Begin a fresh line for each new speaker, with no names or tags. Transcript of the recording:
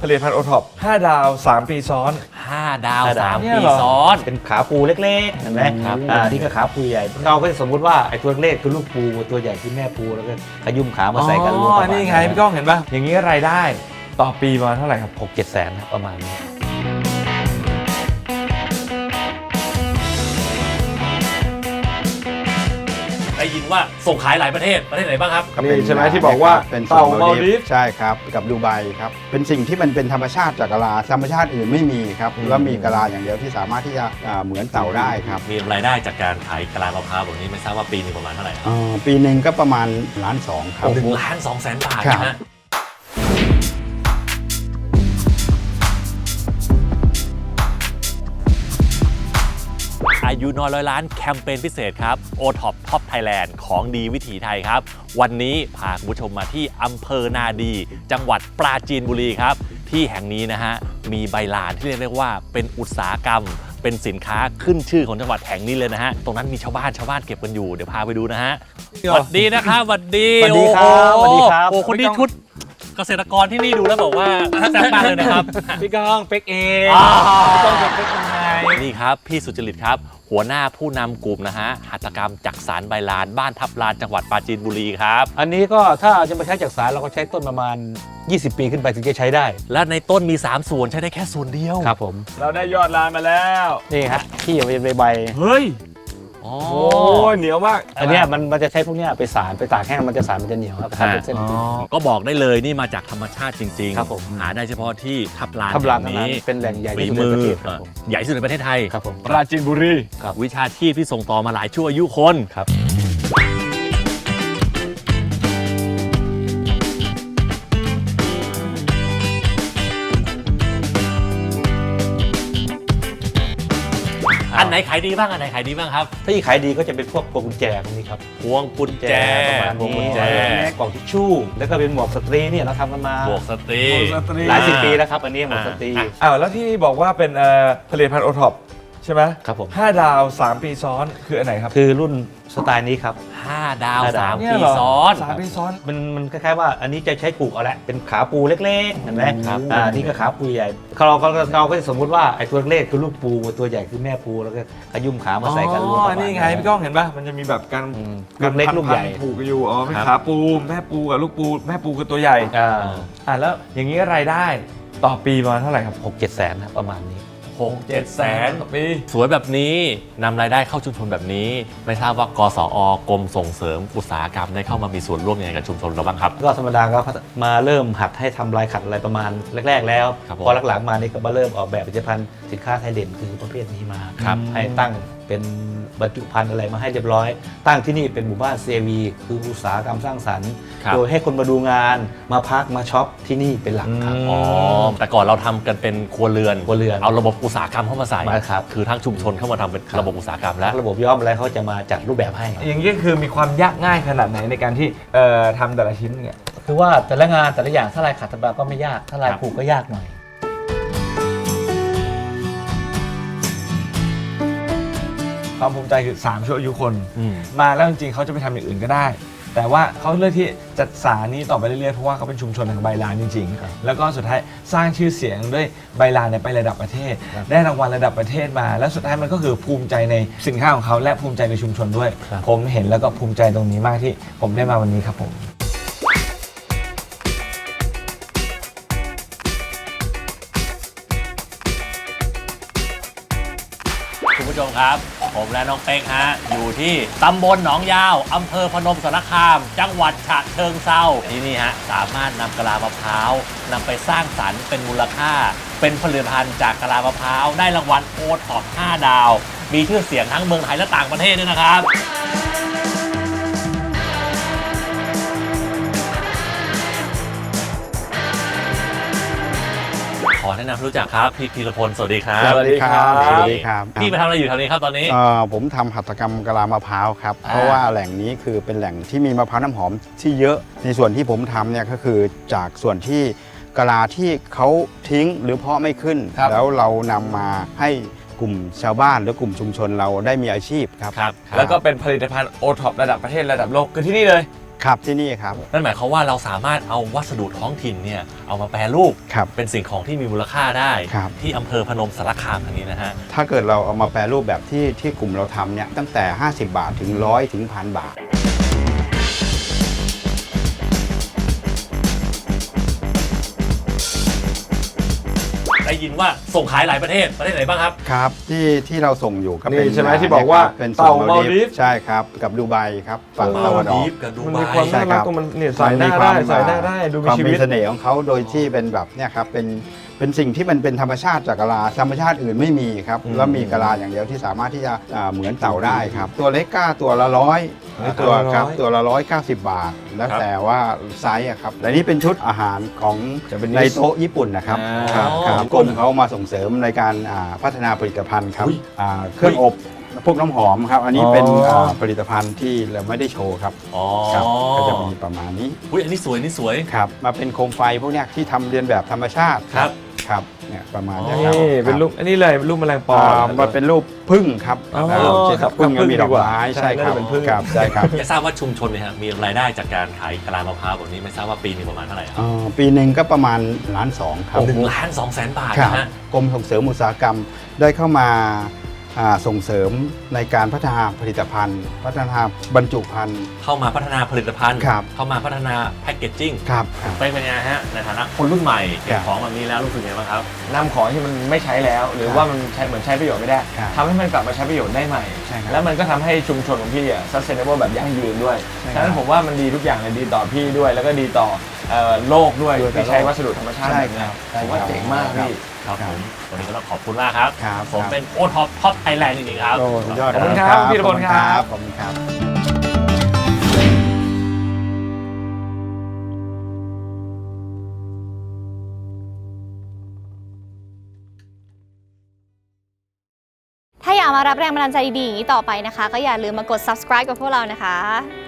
ผลิตภัณฑ์โอท็อป5 ดาว 3 ปีซ้อน
5 ดาว 3
เนี่ย
ปี
เหรอ
ซ้อน
เป็นขาปูเล็กๆเห็นไหม
ครับ
นี่ก็ขาปูใหญ่เราก็จะสมมุติว่าไอ้ตัวเล็กคือลูกปูตัวใหญ่คือแม่ปูแล้วก็ขยุ่มขามาใส่กันรวมประมาณ
นี่ไงพี่ก้องเห็นป่ะอย่างนี้รายได้ต่อปีประมาณเท่าไหร่ครับ
6-7 แสนนะประมาณนี้
ได้ยินว่าส่งขายหลายประเทศไหนบ้างครับ
นี่ใช่ไหมที่บอกว่า
เป็น
เต่ามาลดีฟ
ใช่ครับกับดูไบครับเป็นสิ่งที่มันเป็นธรรมชาติจากกะลาธรรมชาติอื่นไม่มีครับแล้วมีกะลาอย่างเดียวที่สามารถที่จะเหมือนเต่าได้ครับ
มีรายได้จากการขายกะลามะพร้าวแบบนี้ไม่ทราบว่าปีนึงประมาณเท่าไหร่ครับ
ปีหนึ่งก็ประมาณ1.2 ล้านครับ
1,200,000 บาท
ครับ
นะฮะอายุน้อยร้อยล้านแคมเปญพิเศษครับ OTOP Top Thailand ของดีวิถีไทยครับ วันนี้พาคุณผู้ชมมาที่อำเภอนาดี จังหวัดปราจีนบุรีครับ ที่แห่งนี้นะฮะมีใบลานที่เรียกได้ว่าเป็นอุตสาหกรรม เป็นสินค้าขึ้นชื่อของจังหวัดแห่งนี้เลยนะฮะตรงนั้นมีชาวบ้านเก็บกันอยู่เดี๋ยวพาไปดูนะฮะสวัสดีนะครับสวัสดี
สวัสดีครับ
โอ้โห
สวัสดีครับ
โอ้คนนี้ชุดเกษตรกรที่นี่ดูแล้วบอกว่าแซ่บมากเลยนะครับ
พี่ก้องเป็กเอง
อ่า
พี่ก้องเป็กยังไง
นี่ครับพี่สุจริตครับหัวหน้าผู้นำกลุ่มนะฮะหัตถกรรมจักสานใบลานบ้านทับลานจังหวัดปราจีนบุรีครับ
อันนี้ก็ถ้าจะมาใช้จากสารเราก็ใช้ต้นประมาณ 20 ปีขึ้นไปถึงจะใช้ได้
และในต้นมี 3 ส่วนใช้ได้แค่ส่วนเดียว
ครับผม
เราได้ยอดลานมาแล้ว
นี่ฮะที่เอาไปใบ
เฮ้ย
อ๋อ
โอ้ยเหนียวมาก
อันเนี้ยมันจะใช้พวกเนี้ยไปสารไปตากแห้งมันจะสารมันจะเหนียวครับทำเป็นเส้น
ก็บอกได้เลยนี่มาจากธรรมชาติจริงๆ
ครับผม
หาได้เฉพาะที่ทับลาน
ทับลาน
แห่ง
นี้
นี้
เป็นแหล่งใหญ่
ฝี
ที่สุด
มื
ใน
อ
ประเทศครับผม
ใหญ่ที่สุดในประเทศไทย
ครับผม
ปราจีนบุรี
วิชาชีพที่ส่งต่อมาหลายชั่วอายุคน
ครับ
อันไหนขายดีบ้างครับ
ถ้าที่ขายดีก็จะเป็นพวกพวงกุญแจพวกนี้ครับ
พวงกุญแจ
ประมาณ
พวงกุ
นี้
ญแจ
กล่องทิชชู่แล้วก็เป็นหมวกสตรีเนี่ยเราทำกันมา
บวกสตรี
หลายสิบปีแล้วครับอันนี้หมวกสตรี
อ้าวแล้วที่บอกว่าเป็นผลิตภัณฑ์โอท็อปใช่ไหม
ครับผม
5 ดาว 3 ปีซ้อนคืออันไหนครับ
คือรุ่นสไตล์นี้ครับ
5 ดาว
5 ดาว
3
เนี่ย
ปี
เหรอ
ซ้อน
3 ปีซ้อน
มันคล้ายๆว่าอันนี้จะใช้ปลูกเอาแหละเป็นขาปูเล็กๆเห็นไหม
ครับ
นี่ก็ขาปูใหญ่เราก็จะสมมุติว่าไอ้ตัวเล็กคือลูกปูตัวใหญ่คือแม่ปูแล้วก็ขยุ่มขามาใส่กันรวมประมาณ
นี่ไงพี่ก้องเห็นป่ะมันจะมีแบบการ
ลูกเล็กลูกใหญ่
ผูกกันอยู่อ๋อเป็น
ครับ
ขาปูแม่ปูกับลูกปูแม่ปูคือตัวใหญ่ แล้วอย่างนี้รายได้ต่อปีประมาณเท่าไหร่ครับ
6-7 แสนนะประมาณนี้
6-7 แสน
ต่อปี
สวยแบบนี้นำรายได้เข้าชุมชนแบบนี้ ไม่ทราบว่ากสอกรมส่งเสริมอุตสาหกรรมได้เข้ามามีส่วนร่วมยังไงกับชุมชนเราบ้างครับ
ก็ธรรมดาก็มาเริ่มหัดให้ทำลายขัดอะไรประมาณแรก ๆ แล้ว
ครับผม
พอหลังๆมานี่ก็มาเริ่มออกแบบผลิตภัณฑ์สินค้าไทยเด่นคือประเภทนี้มา
ครับ
ให้ตั้งเป็นบรรจุภัณฑ์อะไรมาให้เรียบร้อย ตั้งที่นี่เป็นหมู่บ้าน CAV คืออุตสาหกรรมสร้างสรรค์
ครับ
โดยให้คนมาดูงานมาพักมาช็อปที่นี่เป็นหลักครับ
อ๋อแต่ก่อนเราทำกันเป็นครัวเรือน
ครัวเรือน
เอาระบบอุตสาหกรรมเข้ามาใส่
มาครับ
คือทั้งชุมชนเข้ามาทำเป็นระบบอุตสาหกรรมแล้ว
ระบบย่อมอะไรเขาจะมาจัดรูปแบบให้
อย่างนี้คือมีความยากง่ายขนาดไหนในการที่ทำแต่ละชิ้นเนี่ย
คือว่าแต่ละงานแต่ละอย่างถ้าลายขัดธรรมดาก็ไม่ยากถ้าลาย
ครับ
ผูกก็ยากหน่อย
ความภูมิใจคือ3ชั่วอายุคน
อืม
มาแล้วจริงๆเขาจะไปทำอย่างอื่นก็ได้ แต่ว่าเขาเลือกที่จะสานนี้ต่อไปเรื่อยๆเพราะว่าเขาเป็นชุมชนแห่งใบลานจริง
ครับ
ๆ แล้วก็สุดท้ายสร้างชื่อเสียงด้วยใบลานเนี่ยไประดับประเทศ
ครับ
ได้รางวัลระดับประเทศมา แล้วสุดท้ายมันก็คือภูมิใจในสินค้าของเขาและภูมิใจในชุมชนด้วย
ครับ
ผมเห็นแล้วก็ภูมิใจตรงนี้มากที่ผมได้มาวันนี้ครับผม
คุณผู้ชมครับ ผมและน้องเป๊กฮะอยู่ที่ตำบลหนองยาวอำเภอพนมสารคาม จังหวัดฉะเชิงเทราที่นี่ฮะสามารถนำกะลามะพร้าวนำไปสร้างสรรค์เป็นมูลค่า เป็นผลิตภัณฑ์จากกะลามะพร้าวได้รางวัลโอท็อป5 ดาว มีชื่อเสียงทั้งเมืองไทยและต่างประเทศด้วยนะครับ ขอแนะนำรู้จักครับพี่พีรพลสวัสดีครับ
สวัสดีครับ
สวัสดีครับ
พี่ไปทำอะไรอยู่แถวนี้ครับตอนนี้
ผมทำหัตถกรรมกะลามะพร้าวครับเพราะว่าแหล่งนี้คือเป็นแหล่งที่มีมะพร้าวน้ำหอมที่เยอะในส่วนที่ผมทำเนี่ยก็คือจากส่วนที่กะลาที่เขาทิ้งหรือเพาะไม่ขึ้น
ครับ
แล้วเรานำมาให้กลุ่มชาวบ้านหรือกลุ่มชุมชนเราได้มีอาชีพครับ
ครับ
แล้วก็เป็นผลิตภัณฑ์โอท็อประดับประเทศระดับโลกคือที่นี่เลย
ครับที่นี่ครับ
นั่นหมายความว่าเราสามารถเอาวัสดุท้องถิ่นเนี่ยเอามาแปรรูป
ครับ
เป็นสิ่งของที่มีมูลค่าได้
ครับ
ที่อำเภอพนมสารคามแห่งนี้นะฮะ
ถ้าเกิดเราเอามาแปรรูปแบบที่กลุ่มเราทำเนี่ยตั้งแต่ 50 บาทถึง 100 ถึง 1,000 บาท
ได้ยินว่าส่งขายหลายประเทศไหนบ้างครับ
ครับที่เราส่งอยู่ก็
นี่
เป็น
ใช่ไหมที่บอกว่า
เป็น
เต่า
ส่ง
มาลดีฟ
ใช่ครับกับดูไบครับฝั่งตะวันออก
กับดู
มัน
ไบ
มีความ
ใช่
น่า
ครั
รับ กตรงมันเนี่ยใส่หน้าได้ใส่หน้าได้ดูมี
ความ
ชี
มี
วิต
เสน่ห์ของเขาโดยที่เป็นแบบเนี่ยครับเป็นสิ่งที่มันเป็นธรรมชาติจากกะลาธรรมชาติอื่นไม่มีครับแล้วมีกะลาอย่างเดียวที่สามารถที่จะเหมือนเต่าได้ครับตัวเล็กก้าตัวละ100ตัวครับตัวละ190 บาท แล้วแต่ว่าไซส์อะครับและนี่เป็นชุดอาหารของ
Japanese
ในโต๊ะญี่ปุ่นนะครับ
อ่า
ครับกรมเขามาส่งเสริมในการพัฒนาผลิตภัณฑ์ครับ
อุ๊ย
เครื่องอบพวกน้ำหอมครับ อันนี้เป็น
อ๋อ
ผลิตภัณฑ์ที่เราไม่ได้โชว์ครับ
อ๋อ
ครับก็จะมีประมาณนี้
อุ้ยอันนี้สวยนี่สวย
ครับมาเป็นโคมไฟพวกเนี้ยที่ทำเรียนแบบธรรมชาติ
ครับ
ครับเนี่ยประมาณ
อ๋อ
เนี้ยครับ
นี่เป็นรูปอันนี้เลยเป็นรูปแมลงปอ
มันเป็นรูปพึ่งครับ
อ๋อ
เช่น
ครับ
พึ่ง
ครับ
ก็มีดอก
พึ่งดีกว่า
ไม้
ใช่
ใช่ครับ
น่าจะเป็นพึ่ง
ครับใช่ครับ
จะทราบว่าชุมชนเนี่ยฮะมีรายได้จากการขายกะลามะพร้าวแบบนี้ไม่ทราบว่าปีหนึงประมาณเท่าไหร่ครับ
ปีหนึ่งก็ประมาณ1.2 ล้านครับ
1,200,000 บาท
ครับ
นะฮะ
กรมส่งเสริมอุตสาหกรรมได้เข้ามาส่งเสริมในการพัฒนาผลิตภัณฑ์ พัฒนาบรรจุภัณฑ์
เข้ามาพัฒนาผลิตภัณฑ์
ครับ
เข้ามาพัฒนาแพคเกจจิ้ง
ครับ
เป็นไงฮะในฐานะคนรุ่นใหม่เก็บ
ครับ
ของแบบนี้แล้วรู้สึกไงบ้างครับ
นำของที่มันไม่ใช้แล้ว หรือว่ามันใช้เหมือนใช้ประโยชน์ไม่ได้
ครับ
ทำให้มันกลับมาใช้ประโยชน์ได้ใหม่
ใช่ครับ
แล้วมันก็ทำให้ชุมชนของพี่อ่ะ sustainable แบบยั่งยืนด้วย
ใช่ครับ
ฉะนั้นผมว่ามันดีทุกอย่างเลยดีต่อพี่ด้วย แล้วก็ดีต่อโลกด้วย
ด้วย
ที่ใช้
โลก
วัสดุธรรมชาติ
ใช่
แบบ
ค
เนี้
รั
ย
บ
ผมว่าเจ๋งมากพี่
ครับผมวันนี้ก็ต้องขอบคุณมากครับ
ครับ
ผม
ครับ
เป็นโอท็อปไทยแลนด์จริงๆครับ
โอ้สุดยอด
ขอบคุณครับพี่ธีรพลครับ
ขอบคุณครับ
ถ้าอยากมารับแรงบันดาลใจดีๆอย่างนี้ต่อไปนะคะ ก็อย่าลืมมากด subscribe กับพวกเรานะคะ